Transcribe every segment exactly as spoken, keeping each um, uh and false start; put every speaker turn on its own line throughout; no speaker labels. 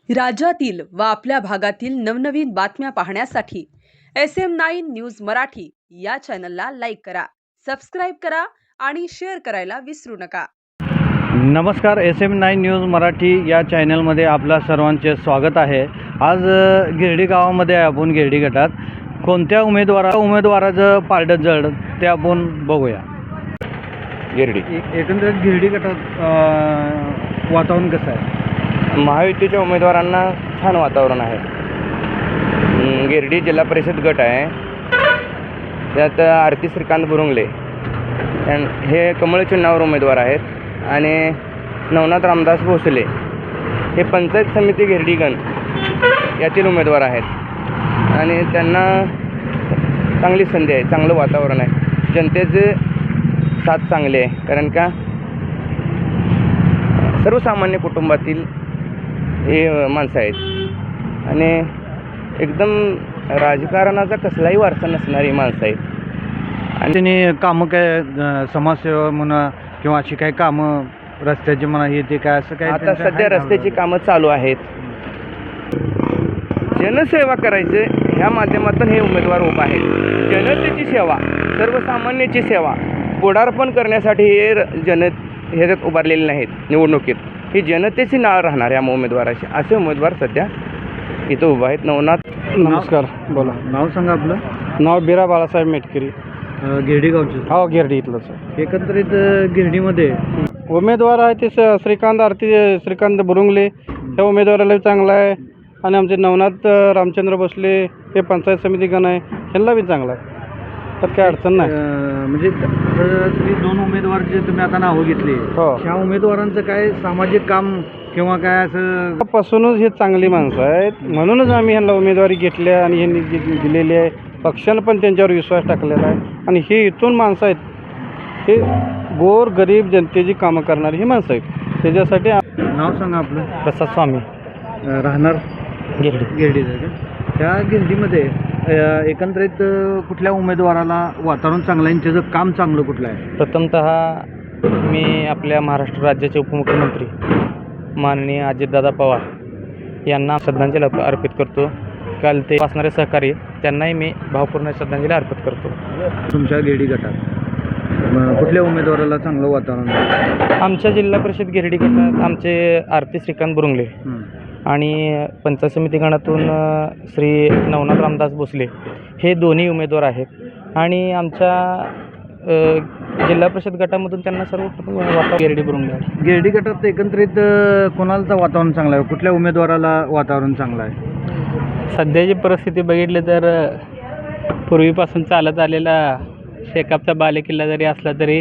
राज्यातील व आपल्या भागातील नवनवीन बातम्या पाहण्यासाठी S M nine news Marathi या चॅनलला लाईक करा, सबस्क्राईब करा आणि शेअर करायला विसरू नका।
नमस्कार, S M nine news Marathi या चॅनलमध्ये आपल्या सर्वांचे स्वागत आहे। आज गिरडी गावामध्ये आपण गिरडी गटात कोणत्या उमेदवारा उमेदवाराचं पारडं जड ते आपण बघूया।
गिरडी
एकंदरीत गिरडी गटात वातावरण कसं आहे?
महायुतीच्या उमेदवारांना छान वातावरण आहे। गिरडी जिल्हा परिषद गट आहे, त्यात आरती श्रीकांत बुरुंगले हे कमळ चिन्हावर उमेदवार आहेत आणि नवनाथ रामदास भोसले हे पंचायत समिती गिरडीगण यातील उमेदवार आहेत आणि त्यांना चांगली संधी आहे, चांगलं वातावरण आहे, जनतेचे साथ चांगली आहे। कारण का सर्वसामान्य कुटुंबातील हे माणसं आहेत आणि एकदम राजकारणाचा कसलाही वारसा नसणारी माणसं आहेत।
आणि त्यांनी कामं काय समाजसेवा म्हणा किंवा अशी काही कामं रस्त्याची म्हणा हे ते काय असं काय
आता सध्या रस्त्याची कामं चालू आहेत। जनसेवा करायचं ह्या माध्यमातून हे उमेदवार उभा आहेत। जनतेची सेवा, सर्वसामान्याची सेवा पुढारपण करण्यासाठी हे जन ह्याच्यात उभारलेले नाहीत। निवडणुकीत ही जनतेची नाळ राहणार या उमेदवाराची, असे उमेदवार सध्या इथं उभा आहेत। नवनाथ,
नमस्कार, बोला, नाव सांगा आपलं।
नाव बिरा बाळासाहेब मेटकरी,
गिरडी गावचे?
हो, गिरडी इथलंच।
एकंदरीत गिरडीमध्ये
उमेदवार आहे ते श्रीकांत आरती श्रीकांत बुरुंगले ह्या उमेदवाराला चांगला आहे आणि आमचे नवनाथ रामचंद्र भोसले हे पंचायत समिती गण आहे, ह्यांना बी चांगला आहे, तर काय अडचण नाही।
म्हणजे तुम्ही दोन उमेदवार जे तुम्ही आता नावं घेतली,
हो,
ह्या उमेदवारांचं काय सामाजिक काम किंवा काय असं
पासूनच हे चांगली माणसं आहेत, म्हणूनच आम्ही ह्यांना उमेदवारी घेतली आहे आणि ह्यांनी दिलेली आहे। पक्षानं पण त्यांच्यावर विश्वास टाकलेला आहे आणि हे इथून माणसं आहेत, हे गोर गरीब जनतेची कामं करणारी ही माणसं आहेत। त्याच्यासाठी
नाव सांगा आपलं।
प्रसाद स्वामी,
राहणार
गिरडी
गिरडी त्या गिरडीमध्ये एकंदरीत कुठल्या उमेदवाराला वातावरण चांगलं आहे, त्याचं काम चांगलं कुठलं आहे?
प्रथमतः मी आपल्या महाराष्ट्र राज्याचे उपमुख्यमंत्री माननीय अजितदादा पवार यांना श्रद्धांजली अर्पित करतो। काल ते असणारे सहकारी त्यांनाही मी भावपूर्ण श्रद्धांजली अर्पित करतो।
तुमच्या गिरडी गटात कुठल्या उमेदवाराला चांगलं वातावरण आहे?
आमच्या जिल्हा परिषद गिरडी गटात आमचे आरती श्रीकांत बुरुंगले आणि पंचायत समिती गणातून श्री नवनाथ रामदास भोसले हे दोन्ही उमेदवार आहेत आणि आमच्या जिल्हा परिषद गटामधून त्यांना सर्व वातावरण गिरडी बुरुंगले।
गिरडी गटात एकंदरीत कोणाचं वातावरण चांगलं आहे? कुठल्या उमेदवाराला वातावरण चांगलं आहे?
सध्याची परिस्थिती बघितली तर पूर्वीपासून चालत आलेला शेकापचा बालेकिल्ला जरी असला तरी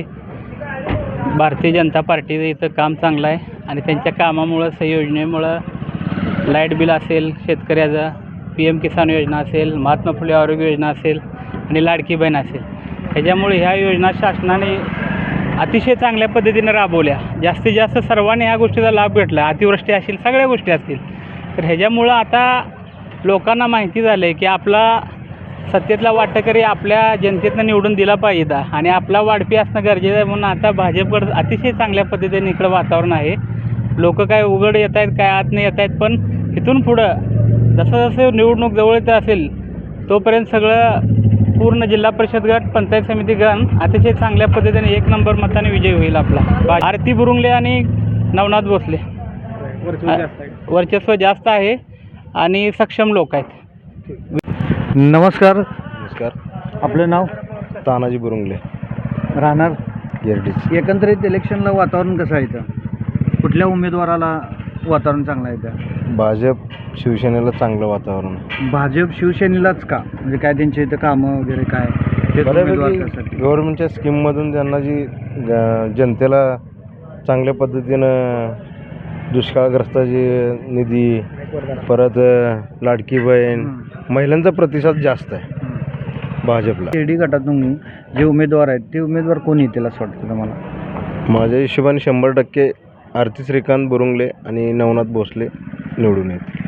भारतीय जनता पार्टीचं इथं काम चांगलं आहे आणि त्यांच्या कामामुळं संयोजनेमुळं लाईट बिल असेल, शेतकऱ्याचा पी एम किसान योजना असेल, महात्मा फुले आरोग्य योजना असेल आणि लाडकी बहीण असेल, ह्याच्यामुळे ह्या योजना शासनाने अतिशय चांगल्या पद्धतीनं राबवल्या। जास्तीत जास्त सर्वांनी ह्या गोष्टीचा लाभ भेटला, अतिवृष्टी असेल, सगळ्या गोष्टी असतील, तर ह्याच्यामुळं आता लोकांना माहिती झालं आहे की आपला सत्तेतला वाटकरी आपल्या जनतेतनं निवडून दिला पाहिजे आणि आपला वाढपी असणं गरजेचं आहे। म्हणून आता भाजपकडं अतिशय चांगल्या पद्धतीने इकडं वातावरण आहे। लोक काय उघड येत आहेत, काय आत नाही येत आहेत, पण इथून पुढं जसं जसं निवडणूक जवळ येत असेल तोपर्यंत सगळं पूर्ण जिल्हा परिषद गट, पंचायत समिती गण अतिशय चांगल्या पद्धतीने एक नंबर मताने विजय होईल आपला। आरती बुरुंगले आणि नवनाथ भोसले वर्चस्व जास्त आहे आणि सक्षम लोक आहेत।
नमस्कार,
नमस्कार,
आपलं नाव?
तानाजी बुरुंगले,
राहणार
गिरडी।
एकंदरीत इलेक्शनला वातावरण कसं आहे इथं? कुठल्या उमेदवाराला वातावरण चांगलं आहे इथं?
भाजप शिवसेनेला चांगलं वातावरण आहे।
भाजप शिवसेनेलाच का? म्हणजे काय त्यांच्या इथं कामं वगैरे काय?
बऱ्यापैकी गव्हर्नमेंटच्या स्कीममधून त्यांना जी जनतेला चांगल्या पद्धतीनं दुष्काळग्रस्ताची निधी, परत लाडकी बहीण, महिलांचा प्रतिसाद जास्त आहे भाजपला।
गिरडी गटातून जे उमेदवार आहेत ते उमेदवार कोण येतील असं वाटतं तुम्हाला?
माझ्या हिशोबाने शंभर टक्के आरती श्रीकांत बुरुंगले आणि नवनाथ भोसले निवडून येतील।